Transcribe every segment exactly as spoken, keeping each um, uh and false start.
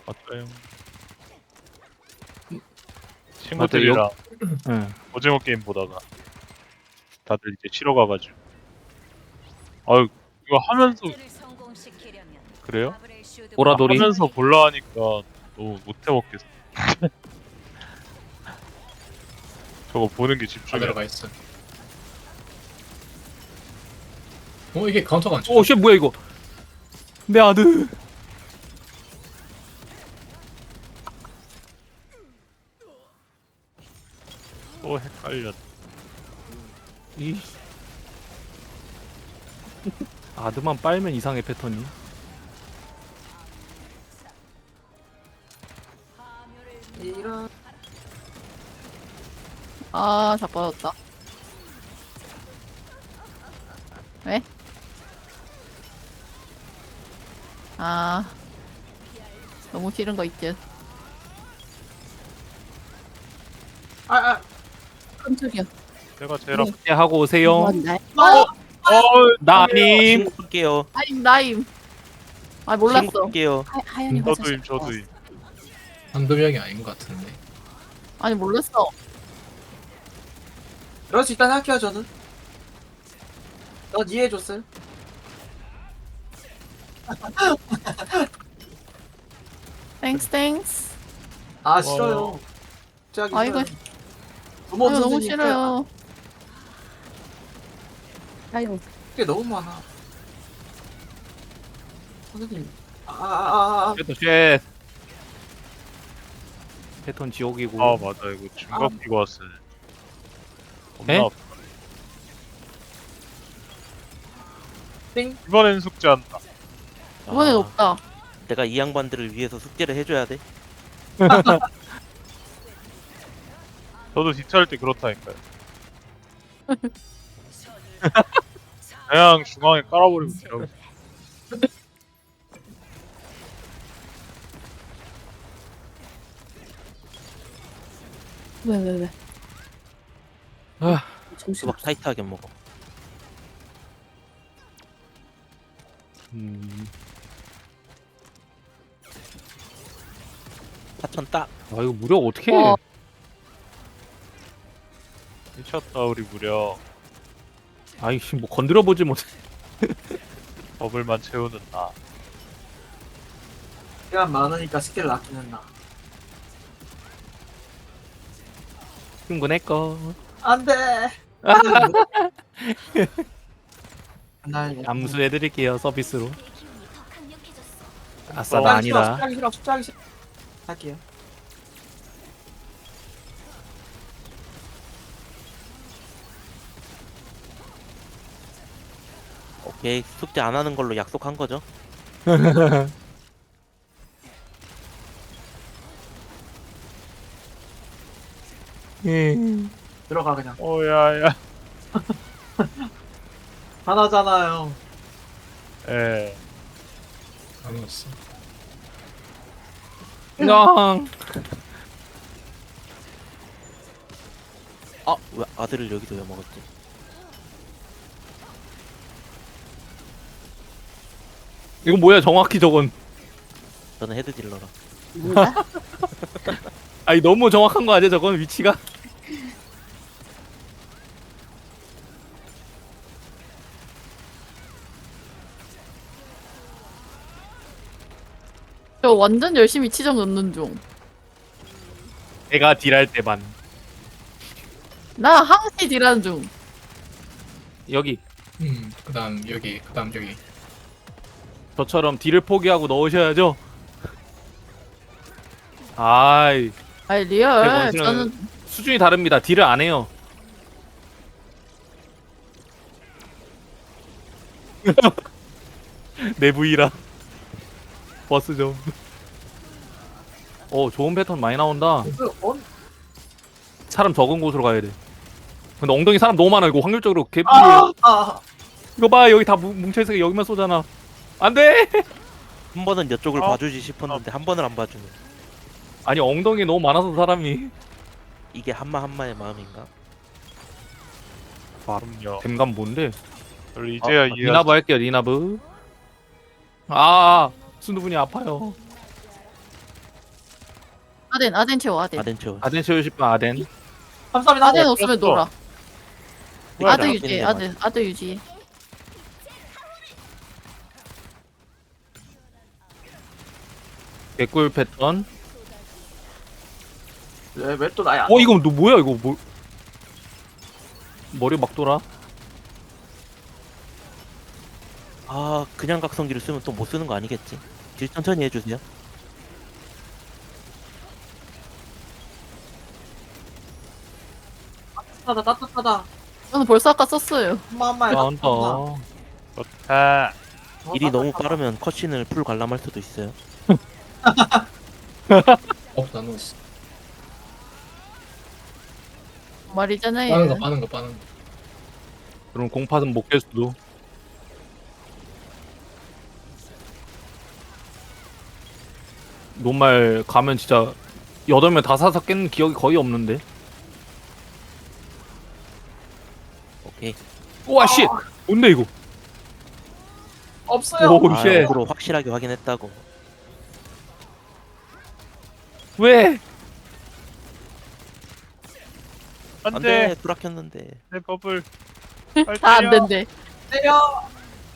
맞아요. 맞아, 친구들이랑 응. 오징어 게임 보다가 다들 이제 쉬러 가가지고. 아유 이거 하면서 그래요? 오라돌이? 하면서 볼라 하니까 너무 못 해먹겠어. 저거 보는 게 다 집중이야. 들어가 있어. 어 이게 카운터가 안 쳐. 오, 쉣, 뭐야, 이거. 내 아들. 또 헷갈렸. 이. 아드만 빨면 이상해, 패턴이. 이런. 아, 자빠졌다. 왜? 아, 너무 싫은 거 있지. 아, 아. 깜짝이야. 내가 제일 아프. 네, 하고 오세요. 뭔데? 어? 어, 나님. 신고할게요. 나임, 나임. 아, 몰랐어. 신고할게요. 하, 하연이 화장실. 저도임 저도임. 한두 명이 아닌 것 같은데. 아니, 몰랐어. 그럴 수 있다는 할게요, 저는. 넌 이해해줬어요? 땡스, 땡스. 아, 싫어요. 갑자기 아, 이거, 싫어요. 부모 아, 이거 너무 선생님 싫어요. 아유, 게 너무 많아. 선생님. 아, 아, 아, 아. 패턴 쉣. 패턴 지옥이고. 아 맞아 이거 중갑 끼고 왔어요. 겁나 에? 아파. 띵. 이번엔 숙제한다. 이번엔 아, 없다. 내가 이 양반들을 위해서 숙제를 해줘야 돼. 저도 뒷차할 때 그렇다니까요. 그냥 중앙에 깔아버리고 지라고. 왜, 왜, 왜? 아, 정신 수박 타이트하게 먹어. 음. 사천 따. 아, 이거 무력 어떻게 해? 와. 미쳤다 우리 무려. 아이씨, 뭐 건드려보지 못해. 버블만 채우는 나. 시간 많으니까 스킬을 아끼는 나. 충분했거. 안 돼! 날 암수해드릴게요, 서비스로. 아싸, 어, 나 숙제하기 싫어, 아니다. 숙제하기 싫어, 숙제하기 싫어. 할게요. 오케이. 숙제 안 하는 걸로 약속한 거죠. 들어가, 그냥. 오야야. 하나잖아요. 예. 안 왔어. 냥. 아, 왜 아들을 여기서 왜 먹었지? 이거 뭐야, 정확히 저건. 저는 헤드 딜러라. 뭔가? 아니, 너무 정확한 거 아니야, 저건 위치가? 저 완전 열심히 치정 넣는 중. 내가 딜할 때만. 나 항시 딜하는 중. 여기. 음. 그다음 여기. 그다음 여기. 저처럼 딜을 포기하고 넣으셔야죠. 아이, 아니, 제 리얼. 원수는- 저는, 수준이 다릅니다. 딜을 안 해요. 내 부위라. 버스 좀. 어, 좋은 패턴 많이 나온다. 그, 어? 사람 적은 곳으로 가야 돼. 근데 엉덩이 사람 너무 많아. 이거 확률적으로 개뿔. 아, 아, 이거 봐, 여기 다 뭉- 뭉쳐있으니까 여기만 쏘잖아. 안 돼! 한 번은 이쪽을 아. 봐주지 싶었는데 한 번을 안 봐주네. 아니, 엉덩이 너무 많아서 사람이. 이게 한마 한마의 마음인가? 그럼요. 댐감 뭔데? 저를 이제야 아, 이해. 리나브 할게요, 리나브. 아, 순두분이 아파요. 아덴 아덴 채워 아덴. 아덴 채워. 아덴 채우고 싶은 아덴. 감사합니다. 아덴 어, 없으면 뺐어. 놀아. 후회를 아덴 안 유지 빼는 게 아덴 아덴 유지. 개꿀 패턴. 왜왜 또 나야? 어 이거 너 뭐야 이거 뭐? 머리 막 돌아. 아 그냥 각성기를 쓰면 또 못 쓰는 거 아니겠지? 딜 천천히 해주세요. 따뜻하다 따뜻하다. 저는 벌써 아까 썼어요. 엄마 엄마 나온다. 좋다. 딜이 너무 빠르면 컷신을 풀 관람할 수도 있어요. 어 나누었어. 말이잖아요. 빠는 거 빠는 거 빠는 거. 그럼 공팟은 못 깰 수도. 노말 가면 진짜 여덟 명 다 사서 깼는 기억이 거의 없는데. 오케이. 우와 씨. 뭔데 이거? 없어요. 오 아, 쉣. 역으로 확실하게 확인했다고. 왜? 안 안돼 돼. 불락혔는데. 내 버블. 빨리 다 안 때려. 된대. 때려.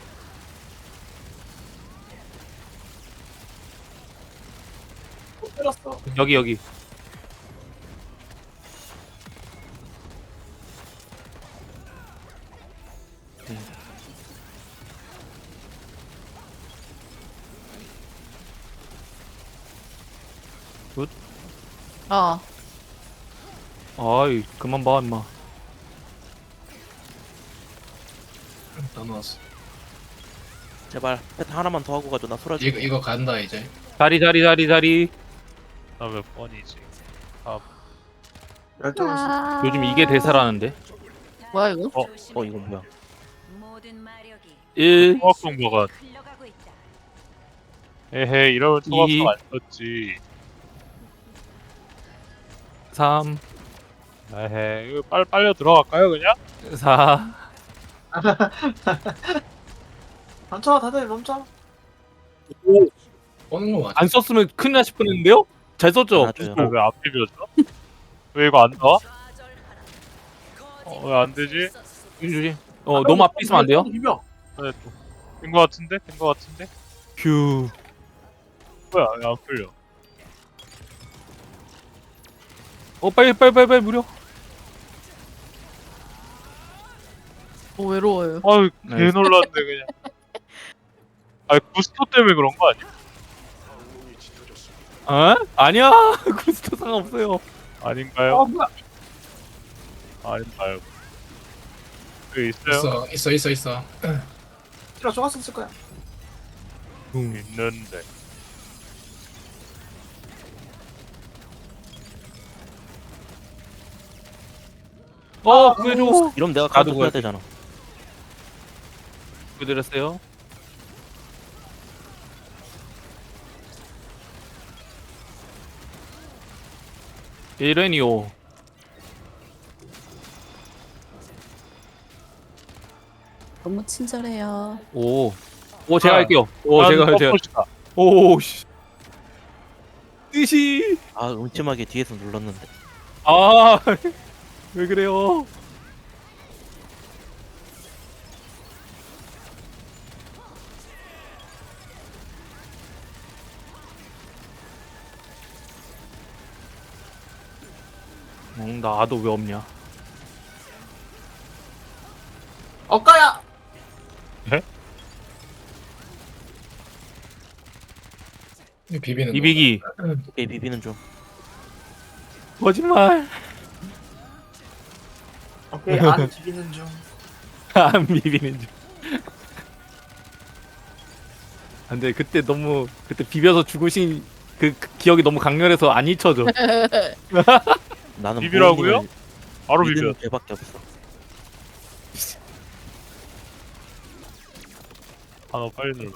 못 때렸어. 여기 여기. 어. 아이 그만 봐 임마. 나누었어. 제발 패턴 하나만 더 하고 가줘. 나 소라지. 이거 이거 간다 이제. 자리 자리 자리 자리. 나 몇 번이지? 열두 시. 아... 요즘 이게 대세라는데. 뭐야 이거? 어 이건 뭐야? 일, 토막성 버가. 에헤 이러면 토막성 이. 안 썼지. 삼, 에헤 이거 빨리 빨려 들어갈까요 그냥? 사. 멈춰 다들 멈춰. 오는 거 맞아. 안 썼으면 큰일 날 뻔했는데요? 잘 썼죠? 맞아요. 왜안 비벼져? 왜 이거 안 나와? 어, 왜 안 되지? 주지. 어 너무 앞에 있으면 안 돼요? 비벼. 네, 또. 된거 같은데? 된 거 같은데? 휴. 뭐야 왜 안 풀려? 어 빨리 빨리 빨리 빨리 무려. 어, 외로워요. 아유 네. 개 놀랐네 그냥. 아니 부스터 때문에 그런 거 아니야? 어? 아니야. 구스터 상관없어요. 아닌가요? 어 뭐야? 아닌가요? 그 있어요? 있어 있어 있어 있어. 필요 좋았을 거야. 있는데. 어 구해줘. 이러면 내가 나도 가도 해야 그걸- 되잖아. 구해드렸어요. 이레니오. 너무 친절해요. 오. 오 제가 아, 할게요. 오 제가 난 제가. 퍼포시다. 오 씨. 뜻이. 아 음침하게 뒤에서 눌렀는데. 아. 왜 그래요? 응, 나 아도 왜 없냐? 엇가야. 이 비비는. 이비기. 오케이 비비는 좀. 거짓말. 오케이 안 비비는 중. 안 비비는 중. 안돼 그때 너무 그때 비벼서 죽으신 그, 그 기억이 너무 강렬해서 안 잊혀져. 나는 비비라고요? 모험님을 바로 비벼. 믿는 죄밖에 없어. 아 빨리 눌러.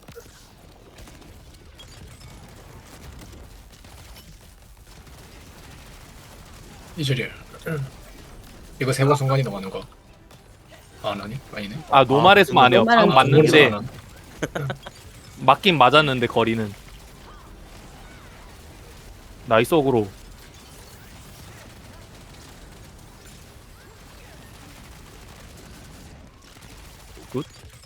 이줄이야. 이거 세번 순간이 넘어가는 거. 아 아니 아니네. 아 노말에서만 안 해요. 노말은 방금 안 맞는데 모르잖아. 맞긴 맞았는데 거리는 나이스 어그로. 굿.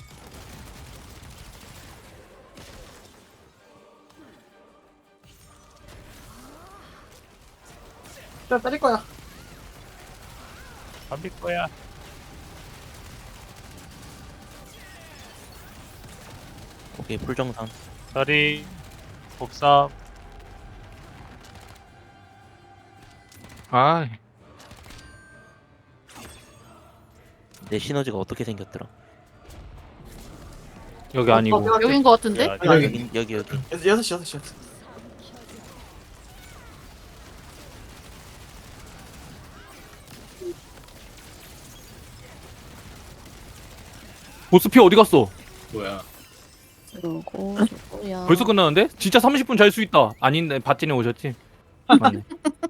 자, 때릴 거야. 안 밀 거야. 오케이 풀정상. 다리 복삼. 아, 내 시너지가 어떻게 생겼더라? 여기 아니고. 어, 여긴 거 같은데? 야, 여기 여기 여기 여기. 여섯 여섯 시 여섯 시. 여섯 시. 보스피 어디 갔어? 뭐야? 그러고 저거야. 벌써 끝나는데? 진짜 삼십 분 잘 수 있다. 아닌데 밭진에 오셨지? 맞네.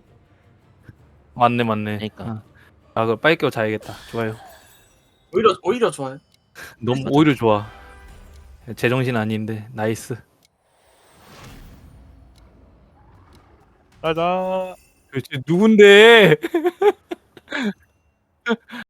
맞네 맞네. 그러니까. 아, 아 그럼 빨리 깨워 자야겠다. 좋아요. 오히려 오히려 좋아요. 너무 오히려 좋아. 제정신 아닌데 나이스. 가자. 도대체 누군데?